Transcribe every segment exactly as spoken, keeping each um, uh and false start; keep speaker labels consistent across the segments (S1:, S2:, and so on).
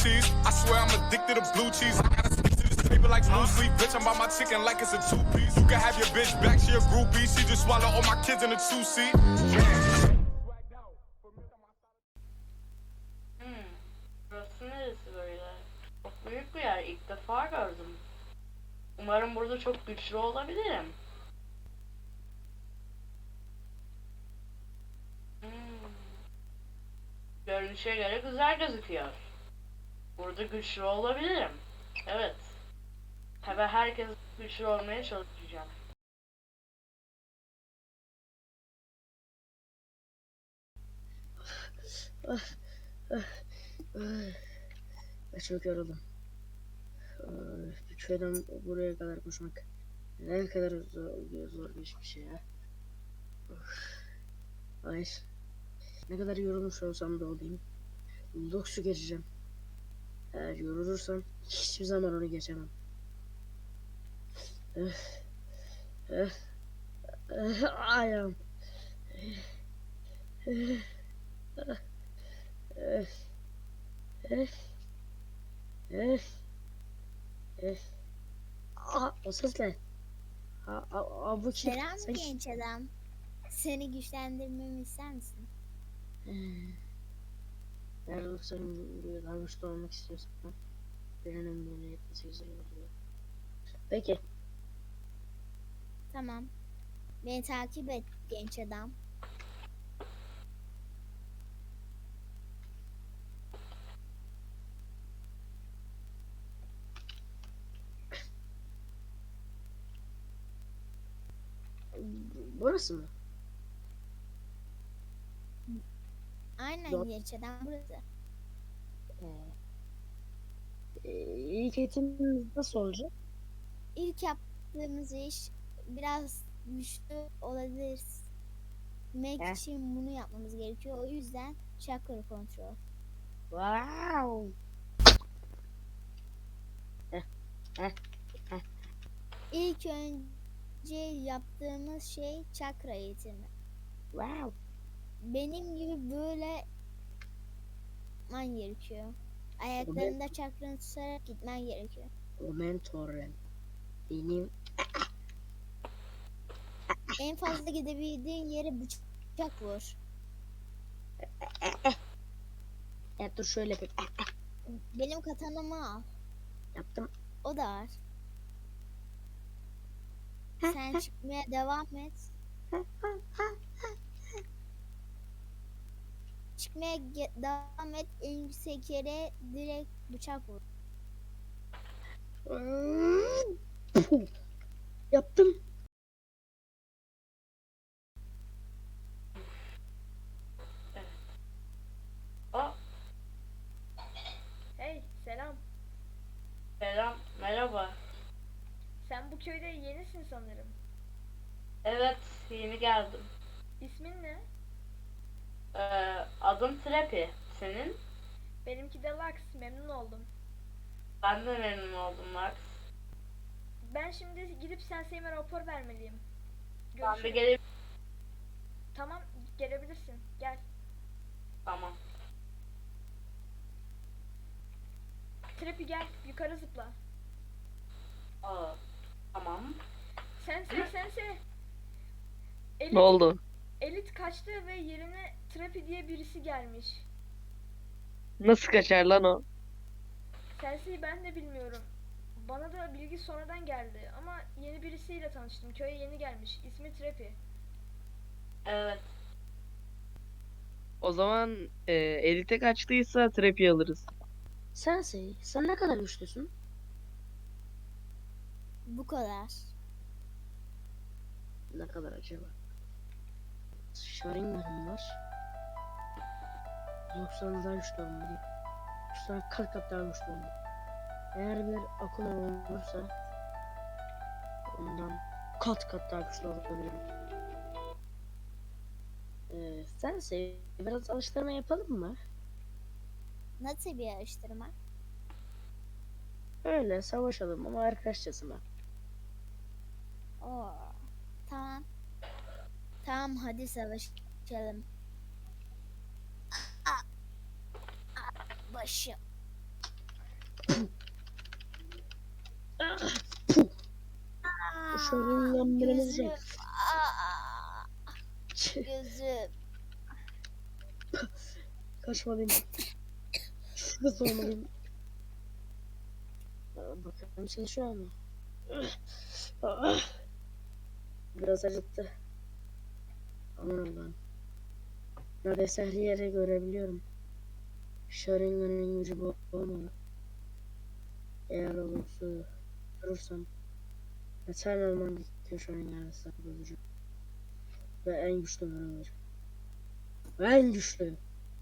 S1: cheese. I swear I'm addicted to blue cheese. I gotta stick to this paper like blue sleep. Bitch, I'm about my chicken like it's a two-piece. You can have your bitch back, she a groupie. She just swallow all my kids in a two-seat.
S2: Hmm. Burası neresi böyle? Çok büyük bir yer. İlk defa gördüm. Umarım burada çok güçlü olabilirim. Hmm. Görünüşe göre güzel gözüküyor. Burada güçlü olabilirim. Evet. Tabii herkes güçlü olmaya çalışacağım.
S3: Ben çok yoruldum. Bir köyden buraya kadar koşmak ne kadar zor, zor bir şey ya. Hayır. Ne kadar yorulmuş olsam da olayım. Doksu geçeceğim. Eğer yorulursam hiçbir zaman onu geçemem. Öf. Öf. Öf. Ayağım. Öf. Öf. Öf. Öf. Öf. Aa, o ses ne? Aa, aa, aa, bu kim?
S4: Selam
S3: Sen...
S4: genç adam. Seni güçlendirmemi ister misin?
S3: Eğer sen daha güçlü olmak istiyorsan birinin bunu yetmesi güzel oluyor. Peki.
S4: Tamam. Beni takip et genç adam.
S3: Burası mı?
S4: Aynen
S3: Yok.
S4: genç adam burası.
S3: Ee, ilk eğitimimiz nasıl olacak?
S4: İlk yaptığımız iş biraz güçlü olabiliriz. Mek
S3: Heh.
S4: için bunu yapmamız gerekiyor. O yüzden chakra kontrol.
S3: Wow. Heh, heh, heh.
S4: İlk önce yaptığımız şey chakra eğitimi.
S3: Wow.
S4: Benim gibi böyle gitmen gerekiyor. Ayaklarında çakranı tutarak gitmen gerekiyor.
S3: O mentorum. Benim
S4: En fazla gidebildiğin yere bıçak vur.
S3: ya dur şöyle bir
S4: Benim katanamı al.
S3: yaptım.
S4: O da var. Sen çıkmaya devam et. Çıkmaya ge- devam et. En yüksek yere direkt bıçak vur.
S3: Yaptım.
S2: Aa,
S5: Hey, selam.
S2: selam, merhaba.
S5: Sen bu köyde yenisin sanırım.
S2: Evet, yeni geldim.
S5: İsmin ne?
S2: Ee, adım Trepi. Senin?
S5: Benimki de Lux, memnun oldum.
S2: Ben de memnun oldum Max.
S5: Ben şimdi gidip Sensei'me rapor vermeliyim.
S2: Ben de
S5: Görüşürüz.
S2: gelip...
S5: Tamam, gelebilirsin. Gel.
S2: Tamam.
S5: Trepi gel, yukarı zıpla.
S2: Aa, tamam.
S5: Sensei, Sensei. Elit,
S3: Ne oldu?
S5: Elit kaçtı ve yerine Trepi diye birisi gelmiş.
S3: Nasıl kaçar lan o?
S5: Sensei ben de bilmiyorum. Bana da bilgi sonradan geldi ama yeni birisiyle tanıştım. Köye yeni gelmiş. İsmi Trepi.
S2: Evet.
S6: O zaman e, elite kaçtıysa Trap'i alırız.
S3: Sensei, sen ne kadar güçlüsün?
S4: Bu kadar.
S3: Ne kadar acaba? Sharingan'ım var. doksan daha güçlü olmalıyım. Sen kat kat daha güçlü olmalıyım. Eğer bir Akuma olursa ondan kat kat daha güçlü olabilirim. Ee, Sensei, biraz alıştırma yapalım mı?
S4: Nasıl bir araştırma?
S3: Öyle savaşalım ama arkadaşçasına.
S4: Oo. Tamam. Tamam hadi savaşalım. Aa, aa, başım.
S3: Sharingan birimiz
S4: gözüm.
S3: yok.
S4: Aa, gözüm.
S3: Kaçmalıyım. Şurada olmalıyım. Aa, bakalım çalışıyor ama. Ah, biraz acıttı. Aman Allah'ım. Neredeyse her yeri görebiliyorum. Sharingan'ın gücü bu olmalı. Eğer olursa durursam yeter olmam gerekiyor Sharingan'a sahip olacağım. Ve en güçlü ben olacağım. Ve en güçlü.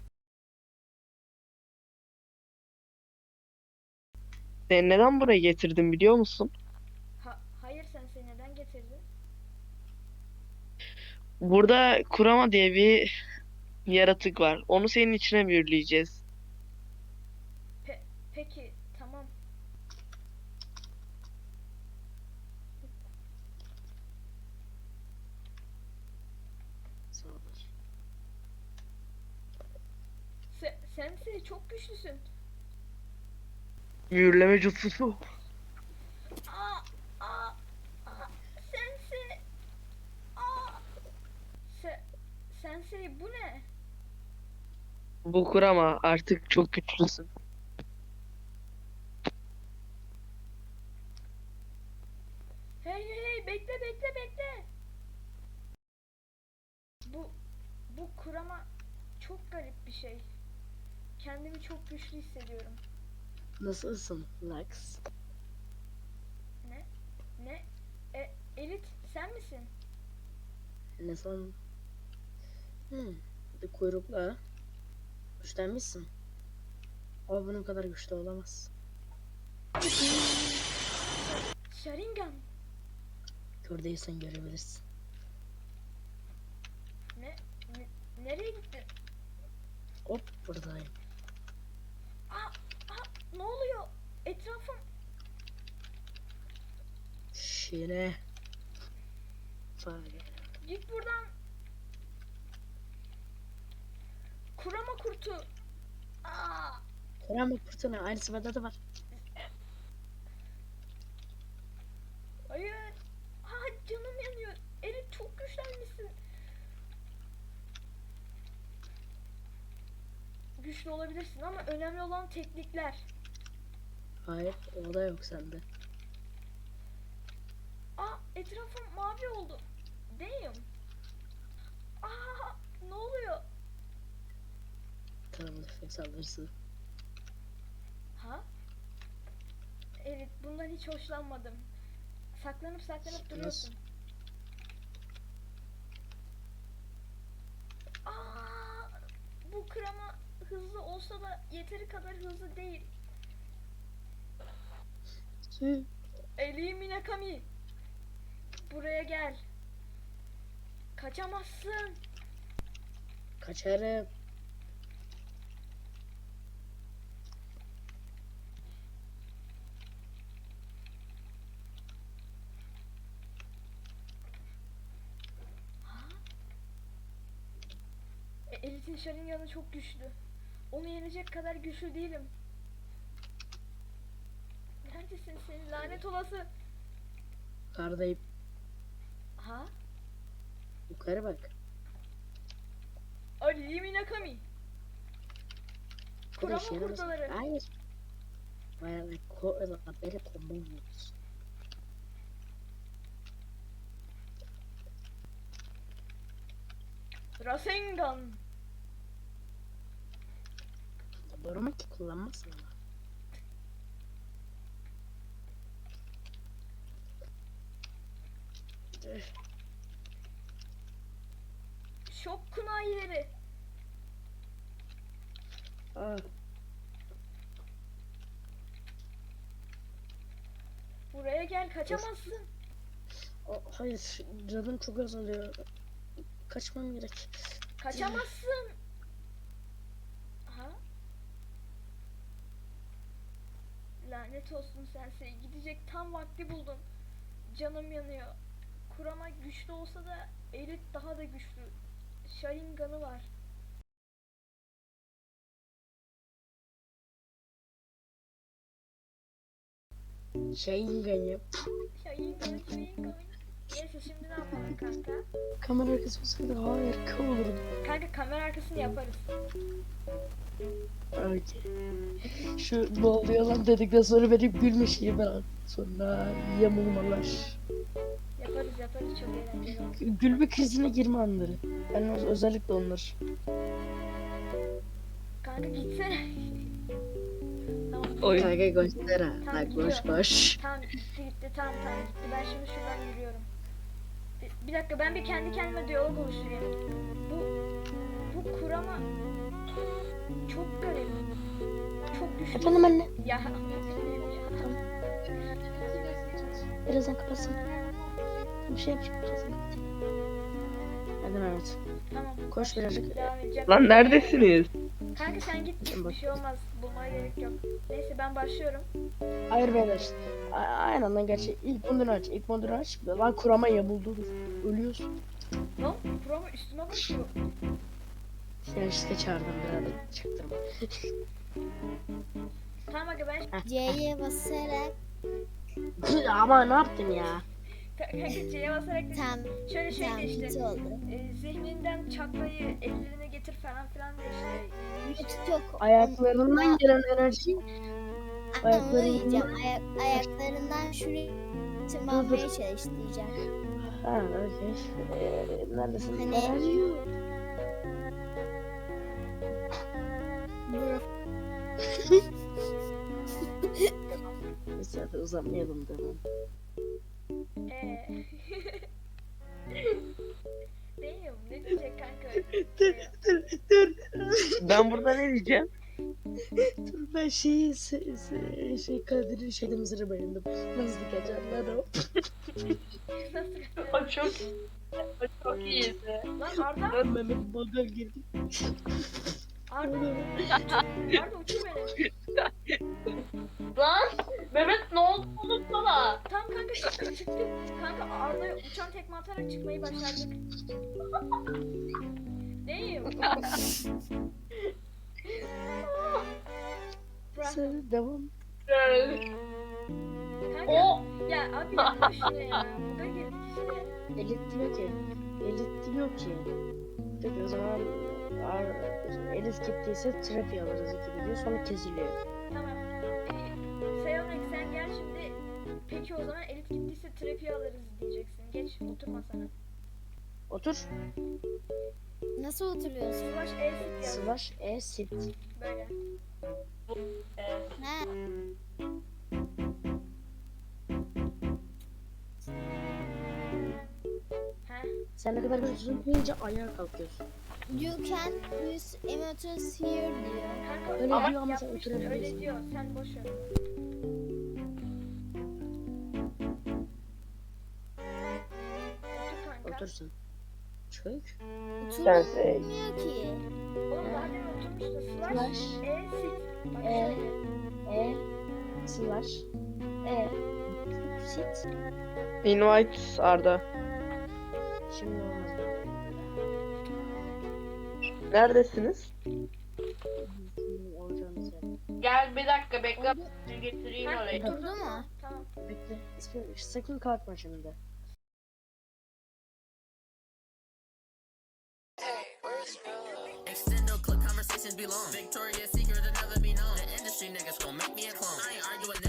S6: Seni neden buraya getirdim biliyor musun?
S5: Ha, hayır Sensei neden getirdin?
S6: Burada Kurama diye bir yaratık var. Onu senin içine büyüleyeceğiz.
S5: Pe- peki tamam.
S3: Sağ ol.
S5: Se- Sensei çok güçlüsün.
S6: Mühürleme jutsusu.
S5: Aa, aa, aa, Sensei. Aa. Se- Sensei bu ne?
S6: Bu Kurama artık çok güçlüsün.
S5: Hey hey hey bekle bekle bekle. Bu bu kurama çok garip bir şey. Kendimi çok güçlü hissediyorum.
S3: Nasılsın Lux?
S5: Ne? Ne? E, Elit sen misin?
S3: Ne san? Hmm. Bir kuyrukla güçlenmişsin. Ama bunun kadar güçlü olamaz.
S5: Sharingan.
S3: Kör değilsen görebilirsin.
S5: Ne? ne? Nereye gittin?
S3: Hop buradayım.
S5: Aa, aa, ne oluyor? Etrafım
S3: Şine. Fare.
S5: git buradan. Kurama kurtu. Aa,
S3: Kurama kurtuna aynısı bende de var.
S5: hayır. Aa, canım yanıyor. Elit çok güçlenmişsin. Güçlü olabilirsin ama önemli olan teknikler.
S3: Hayır o da yok sende.
S5: Aa, etrafım mavi oldu. Damn. Aa, ne oluyor?
S3: Tamam efekt saldırısı.
S5: Ha? Evet, bundan hiç hoşlanmadım. Saklanıp saklanıp duruyorsun. Aa, bu krema hızlı olsa da yeteri kadar hızlı değil.
S3: Hı.
S5: Eli Minakami. Buraya gel. Kaçamazsın.
S3: Kaçarım.
S5: E, Elit'in Sharingan'ı çok güçlü. Onu yenecek kadar güçlü değilim. Neredesin sen lanet olası?
S3: Yukarıdayım.
S5: Ha?
S3: Yukarı bak.
S5: Ali Minakami.
S3: Bu da
S5: Kurama
S3: işe yaramaz.
S5: kurtaları.
S3: Hayır. Bayağı ko beni combo oynuyoruz.
S5: Rasengan.
S3: Doğru mu ki kullanmazsın ama. Üf,
S5: Şok kunayileri.
S3: ah,
S5: Buraya gel kaçamazsın.
S3: ah, hayır canım çok azalıyor. Kaçmam gerek.
S5: Kaçamazsın. Ha? Lanet olsun Sensei. Gidecek tam vakti buldun. Canım yanıyor. Kurama güçlü olsa da Elit daha da güçlü. Sharingan'ı var.
S3: Sharingan yap.
S5: Sharingan, Sharingan. Neyse şimdi ne yapalım kanka?
S3: Kamera arkası olsaydı harika olurdu.
S5: Kanka kamera arkasını yaparız.
S3: Okey. Şu ne oluyor lan dedikten sonra benim gülmüşüm ben. Sonra yamulmalar.
S5: Yaparız yaparız çok eğlenceli olur.
S3: Gü- Gülme krizine girme anları. Yani öz- özellikle onlar.
S5: Kanka gitsene. Tamam.
S6: Oyun.
S3: Kanka göster ha.
S5: Tamam,
S3: Bak koş
S5: gidiyorum.
S3: koş.
S5: Tamam gitti gitti tamam tamam gitti. Ben şimdi şuradan yürüyorum. Bir, bir dakika ben bir kendi kendime diyalog oluşturayım. Bu bu kurama çok garip. Çok güçlü.
S3: Efendim anne.
S5: Ya.
S3: Birazdan kapatsın. Bir şey yapacağım. Birazdan. Hadi Mehmet.
S5: Tamam.
S3: Koş birazcık.
S5: Devam edeceğim.
S6: Lan neredesiniz?
S5: Kanka sen git.
S3: Bak.
S5: Bir şey olmaz. Bulmaya gerek yok. Neyse ben başlıyorum.
S3: Hayır beyler. A- Aynen lan gerçi ilk modunu aç. İlk modunu aç. Lan kurama yamuldu. Ölüyorsun.
S5: Lan kurama üstüme basıyor.
S3: Ya işte çağırdım birader. Çaktırma.
S5: Tamam aga ben
S4: C'ye basarak
S3: Ama ne yaptın ya?
S5: kanka C'ye basarak da
S4: tam
S5: şöyle şey
S4: tam
S5: de işte.
S4: hit oldu.
S5: E, zihninden çakmayı ellerine getir falan filan da işte.
S4: Yok yok.
S3: Ayaklarından gelen enerji
S4: Ama
S3: ayaklarından-
S4: diyeceğim. Ayak, ayaklarından şuraya tırmanmaya çalış diyeceğim.
S3: Ha okey. Ee, neredesin?
S4: Hani-
S3: Enerji yok.
S4: Bro.
S3: Neyse hadi uzatmayalım devam.
S5: Eee. Değil ne diyecek kanka?
S3: Dur dur dur.
S6: Ben burada ne diyeceğim?
S3: Dur ben şeyi se, se, şey Kadir'in şeyde mızırı bayıldım. Nasıl kaçarlar o?
S2: O çok o çok iyiydi.
S5: Lan Arda,
S3: Ben Mehmet baga girdim.
S5: Arda, Arda uçur beni.
S2: Lan Mehmet ne oldu unutsana.
S5: Tam kanka çıktı çıktı. Kanka Arda'ya uçan tekme atarak çıkmayı başardık. Değil. Bırak.
S3: Sen devam.
S5: Kanka
S2: O
S5: ya abi yapma şunu ya. Buga girdik işte.
S3: Elit diyor ki. Elit diyor ki. Peki o zaman ar- Elit gittiyse trafi alırız gibi diyor. Sonra kesiliyor.
S5: Tamam. Ee, Seyonek sen gel şimdi. Peki o zaman elit gittiyse trafiği alırız diyeceksin. Geç oturma sana.
S3: Otur.
S4: Nasıl oturuyorsun?
S5: Slash E sit yaz.
S3: Slash E sit.
S5: Böyle.
S4: Ha?
S5: Heh.
S3: Sen ne kadar gözünü deyince ayağa kalkıyorsun.
S4: You can use emojis here diyor.
S5: Kanka
S3: Öyle
S5: ama
S3: diyor ama sen
S5: yapmıştır,
S3: oturamıyorsun.
S5: öyle diyor. Sen boş ver. Otur kanka.
S3: Otursun. Çök.
S4: Oturmuyor ki.
S5: Oğlum daha demin oturmuştu. Slash,
S3: Slash
S5: E sit. Bak
S3: E.
S5: şöyle.
S3: E slash E sit.
S6: Invite Arda.
S3: Şimdi olmaz.
S6: Neredesiniz?
S3: Şimdi olacağımız yer.
S2: gel bir dakika bekle
S4: Oldu.
S2: getireyim
S5: Ha,
S2: orayı.
S4: Oldu mu?
S5: Tamam.
S3: Bekle. İsmi, sakın kalkma şimdi.
S7: Extendo clip conversations be long. Victoria's Secret to never be known. The industry niggas gon' make me a clone. I ain't arguing.